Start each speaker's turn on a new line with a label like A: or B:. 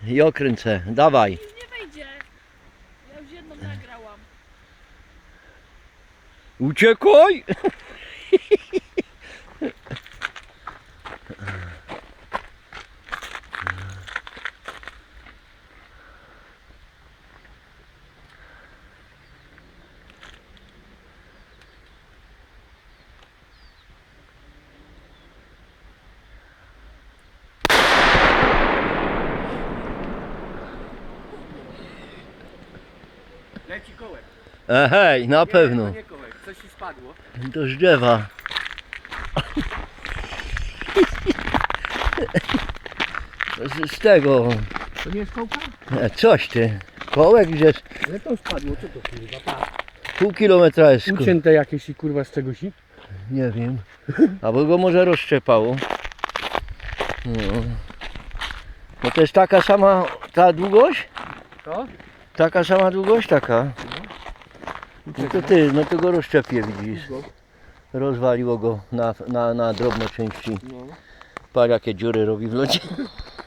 A: I okręcę, dawaj.
B: Nic nie wejdzie. Ja już jedną nagrałam.
A: Uciekaj!
C: Leci kołek.
A: Hej, na pewno.
C: Nie, to nie kołek, coś ci spadło.
A: To z drzewa. Z tego.
C: To nie jest kołka?
A: Coś ty. Kołek gdzieś.
C: Ale to spadło, co to kurwa? Pa.
A: Pół kilometra jest.
C: Ucięte jakieś i kurwa z czegoś?
A: Nie wiem. Albo go może rozszczepało. No. No to jest taka sama ta długość?
C: To?
A: Taka sama długość taka. No to ty, no to go rozszczepię, widzisz. Rozwaliło go na drobne części.
C: No.
A: Patrz jakie dziury robi w lodzie.